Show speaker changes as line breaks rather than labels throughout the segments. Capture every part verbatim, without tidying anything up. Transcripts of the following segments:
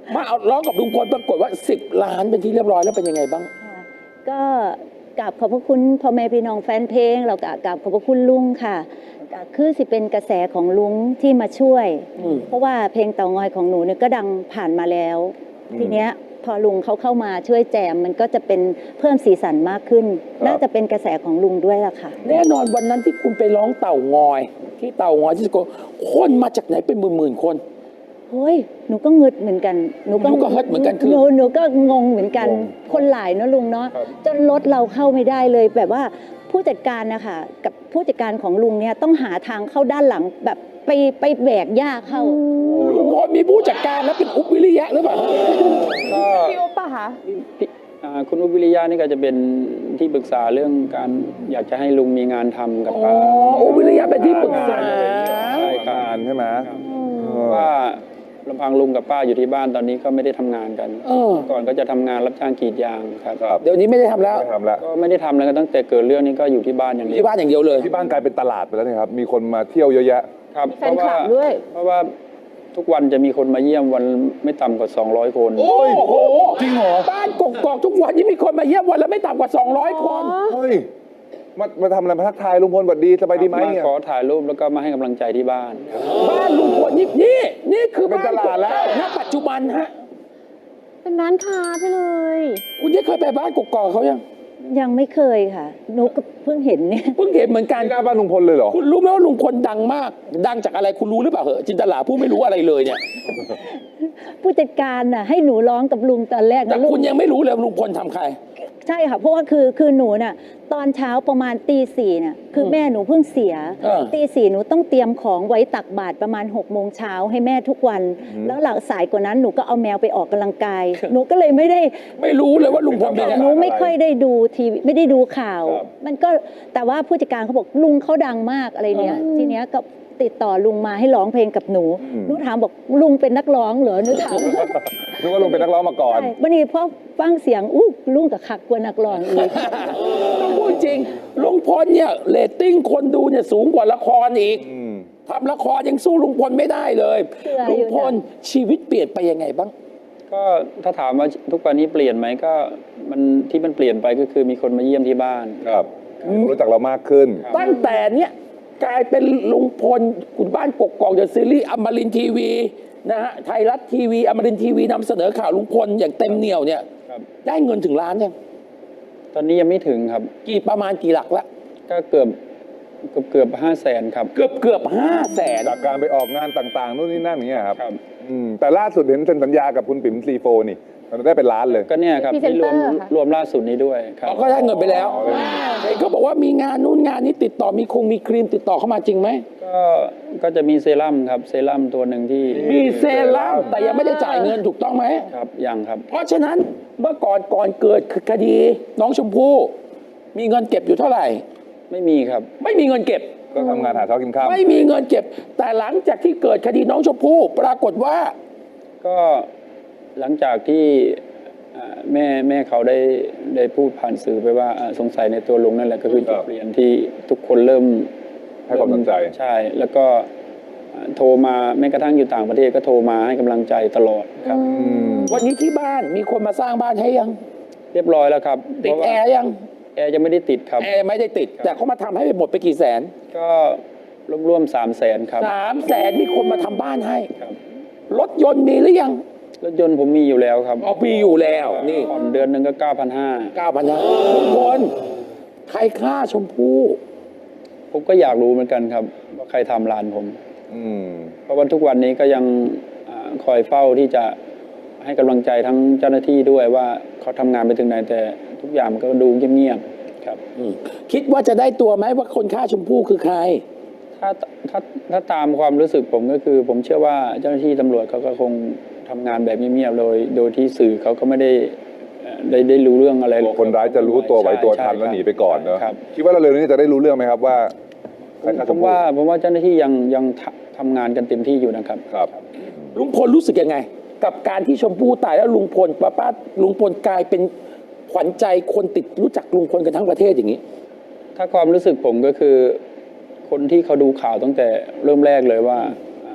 มาเอาร้องกับลุงพลปรากฏว่าสิบล้านเป็นที่เรียบร้อยแล้วเป็นยังไงบ้าง
ก็กราบขอบพระคุณพ่อแม่พี่น้องแฟนเพลงเรากราบขอบพระคุณลุงค่ะคือสิเป็นกระแสของลุงที่มาช่วยเพราะว่าเพลงเต่างอยของหนูเนี่ยก็ดังผ่านมาแล้วทีเนี้ยพอลุงเขาเข้ามาช่วยแจมมันก็จะเป็นเพิ่มสีสันมากขึ้นน่าจะเป็นกระแสของลุงด้วยล่ะค่ะ
แน่นอนวันนั้นที่คุณไปร้องเต่างอยที่เต่างอยที่สกลคนมาจากไหนเป็นหมื่นๆคน
เฮ้ยหนูก็งึดเหมือนกัน
หนูก็เฮิร์ตเหมือนกันคือ
หนูหนูก็งงเหมือนกันคนหลายเนาะลุงเนาะจนรถเราเข้าไม่ได้เลยแบบว่าผู้จัดการนะคะกับผู้จัดการของลุงเนี่ยต้องหาทางเข้าด้านหลังแบบไปไปแบกหญ้าเข้า
ลุงพลมีผู้จัดการแล้วเป็นอุ๊บวิริยะหรือเปล่า
ก็พี่อุ๊บป่ะคะคุณอุ๊บวิริยะนี่ก็จะเป็นที่ปรึกษาเรื่องการอยากจะให้ลุงมีงานทำกับป้า
อุ๊บวิริยะเป็นที่ปรึกษา
ใช่การใช่ไหม
ว่าลำพังลุงกับป้าอยู่ที่บ้านตอนนี้ก็ไม่ได้ทำงานกันก่อนก็จะทำงานรับจ้างกรีดยางครับ
เดี๋ยวนี้ไม่ได้ทำแล้ว
ก็ไม่ได้ทำแล้วตั้งแต่เกิดเรื่องนี้ก็อยู่ที่บ้านอย่างเดียว
ที่บ้านอย่างเดียวเลย
ที่บ้านกลายเป็นตลาดไปแล้วนะครับมีคนมาเที่ยวเยอะแยะ
ครับเพราะว่าเพราะว่าทุกวันจะมีคนมาเยี่ยมวันไม่ต่ำกว่าสองร้อยคน
โอ้โหจริงเหรอบ้านกกอกทุกวันนี้มีคนมาเยี่ยมวันละไม่ต่ำกว่าสองร้อยคน
เฮ้ยมามาทำอะไรมาทักทายลุงพลสวัสดีสบายดีไหม
เนี่ยขอถ่ายรูปแล้วก็มาให้กำลังใจที่บ้าน
บ้านลุงพลนี่นี่นี่คือบ้านตลาดแล้วณปัจจุบันฮะ
เป็นร้านค้าไปเลย
คุณได้เคยไปบ้านกกอกเขายัง
ยังไม่เคยค่ะหนูก็เพิ่งเห็นเนี่ย
เพิ่งเห็นเหมือนกัน
หน้าบ้านลุงพลเลยเหรอ
คุณรู้ไหมว่าลุงพลดังมากดังจากอะไรคุณรู้หรือเปล่าเหรอจินตลาผู้ไม่รู้อะไรเลยเนี่ย
ผู้จัดการน่ะให้หนูร้องกับลุงตอนแรก
แต่คุณยังไม่รู้เลยลุงพลทำใคร
ใช่ค่ะเพราะว่าคือคือหนูน่ะตอนเช้าประมาณตีสี่น่ะคือแม่หนูเพิ่งเสียตีสี่หนูต้องเตรียมของไว้ตักบาตรประมาณหกโมงเช้าให้แม่ทุกวันแล้วหลังสายกว่านั้นหนูก็เอาแมวไปออกกำลังกายหนูก็เลยไม่ได้
ไม่รู้เลยว่าลุงพลเป็น
หนูไม่ค่อยได้ดูทีวีไม่ได้ดูข่าวมันก็แต่ว่าผู้จัดการเขาบอกลุงเขาดังมากอะไรเนี้ยทีเนี้ยก็ติดต่อลุงมาให้ร้องเพลงกับหนูหนูถามบอกลุงเป็นนักร้องเหรอหนูถาม
นึกว่าลุงเป็นนักร้องมาก่อน
ใช่วันนี้พอฟังเสียงอู้ลุงกับคักกว่านักร้องอีก
ต้องพูดจริงลุงพลเนี่ยเรตติ้งคนดูเนี่ยสูงกว่าละครอีกทำละครยังสู้ลุงพลไม่ได้เลยลุงพลชีวิตเปลี่ยนไปยังไงบ้าง
ก็ถ้าถามว่าทุกวันนี้เปลี่ยนไหมก็มันที่มันเปลี่ยนไปก็คือมีคนมาเยี่ยมที่บ้าน
ครับรู้จักเรามากขึ้น
ตั้งแต่เนี้ยกลายเป็นลุงพลคุณบ้านกกอกเดอะซีรีส์อมรินทร์ทีวีนะฮะไทยรัฐทีวีอมรินทร์ทีวีนำเสนอข่าวลุงพลอย่างเต็มเหนี่ยวเนี่ยได้เงินถึงล้านยัง
ตอนนี้ยังไม่ถึงครับ
กี่ประมาณกี่หลักละ
ก็เกือบเกือบเกือบห้าแสนครับ
เกือบเกือบห้าแสน
จากการไปออกงานต่างๆนู่นนี่นั่นอย่างเงี้ยครับแต่ล่าสุดเห็นเซ็นสัญญากับคุณปิ๋มซีโฟนี่มันได้เป็นล้านเลย
ก็เนี่ยครับที่รวมรวมล่าสุดนี้ด้วยครับ
ก็ได้เงินไปแล้วเขาบอกว่ามีงานนู่นงานนี้ติดต่อมีคงมีครีมติดต่อเข้ามาจริงไหม
ก็ก็จะมีเซรั่มครับเซรั่มตัวหนึ่งที่
มีเซรั่มแต่ยังไม่ได้จ่ายเงินถูกต้องไหม
ครับยังครับ
เพราะฉะนั้นเมื่อก่อนก่อนเกิดคดีน้องชมพู่มีเงินเก็บอยู่เท่าไหร่
ไม่มีครับ
ไม่มีเงินเก็บ
ก็ทำงานหาเช้ากินข้าว
ไม่มีเงินเก็บแต่หลังจากที่เกิดคดีน้องชมพู่ปรากฏว่า
ก็หลังจากที่แม่แม่เขาได้ได้พูดผ่านสื่อไปว่าสงสัยในตัวลุงนั่นแหละก็คือจุดเปลี่ยนที่ทุกคนเริ่ม
ให้ความสนใจ
ใช่แล้วก็โทรมาแม้กระทั่งอยู่ต่างประเทศก็โทรมาให้กำลังใจตลอดครับ
วันนี้ที่บ้านมีคนมาสร้างบ้านให้ยัง
เรียบร้อยแล้วครับ
ติดแอร์ยัง
แอร์ยังไม่ได้ติดครับ
แอร์ไม่ได้ติดแต่เขามาทำให้หมดไปกี่แสน
ก็รวมๆสามแสนครับ
สามแสนมีคนมาทำบ้านให้รถยนต์มีหรือยัง
รถยนต์ผมมีอยู่แล้วครับ
อ๋อมีอยู่แล้วนี่
ผ่อนเดือนหนึ่งก็เก้าพันห้า
เก้าพันห้าทุกคนใครฆ่าชมพู่
ผมก็อยากรู้เหมือนกันครับว่าใครทำร้านผมเพราะว่าทุกวันนี้ก็ยังคอยเฝ้าที่จะให้กำลังใจทั้งเจ้าหน้าที่ด้วยว่าเขาทำงานไปถึงไหนแต่ทุกอย่างมันก็ดูเงียบๆครับ
คิดว่าจะได้ตัวไหมว่าคนฆ่าชมพู่คือใคร
ถ้าถ้าถ้าตามความรู้สึกผมก็คือผมเชื่อว่าเจ้าหน้าที่ตำรวจเขาก็คงทำงานแบบเงียบๆโดยโดยที่สื่อเขาก็ไม่ได้ได้ได้รู้เรื่องอะไร
คนร้ายจะรู้ตัวไว้ตัวทันแล้วหนีไปก่อนเนอะคิดว่าเราเร็วนี้จะได้รู้เรื่องไหมครับว่า
ผมว่าผมว่าเจ้าหน้าที่ยังยังทำงานกันเต็มที่อยู่นะครับ
ครับ
ลุงพลรู้สึกยังไงกับการที่ชมพู่ตายแล้วลุงพลป้าป้าลุงพลกลายเป็นขวัญใจคนติดรู้จักลุงพลกันทั้งประเทศอย่างนี้
ถ้าความรู้สึกผมก็คือคนที่เขาดูข่าวตั้งแต่เริ่มแรกเลยว่า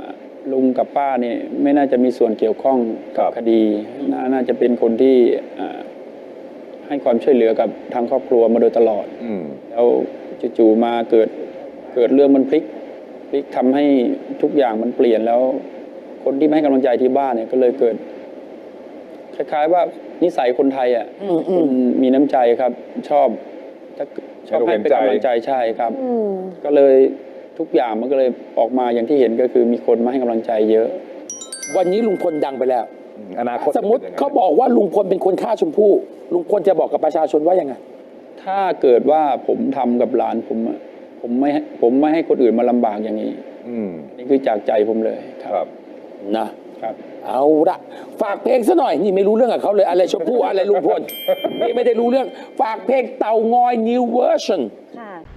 ลุงกับป้าเนี่ยไม่น่าจะมีส่วนเกี่ยวข้องกับ
ครับ
คดีนาน่าจะเป็นคนที่อ่าให้ความช่วยเหลือกับทางครอบครัวมาโดยตลอด
อืม
แล้วจู่ๆมาเกิดเกิดเรื่องมันพลิกพลิกทำให้ทุกอย่างมันเปลี่ยนแล้ว คนที่ไม่ให้กำลังใจที่บ้านเนี่ยก็เลยเกิด คล้ายๆว่านิสัยคนไทยอ่ะ
อืมอื
ค
ม
นมีน้ำใจครับ ชอบถ้าชอบให้เป็นกำลังใจใช่ครับ
อืม
ก็เลยทุกอย่างมันก็เลยออกมาอย่างที่เห็นก็คือมีคนมาให้กำลังใจเยอะ
วันนี้ลุงพลดังไปแล้ว
อนาคต
สมมติ
จะป็นยังไง
เขาบอกว่าลุงพลเป็นคนฆ่าชมพู่ลุงพลจะบอกกับประชาชนว่ายังไง
ถ้าเกิดว่าผมทำกับหลานผมอะผมไม่ให้ผมไม่ให้คนอื่นมาลำบากอย่างนี้
อืม
อันนี่คือจากใจผมเลยค
ค
รั
รับ บ
นะ
ครับ
เอาละฝากเพลงซะหน่อย นี่ไม่รู้เรื่องกับเขาเลยอะไรชมพู่อะไรลุงพล นี่ไม่ได้รู้เรื่อง ฝากเพลงเต่างอย new version
ค่ะ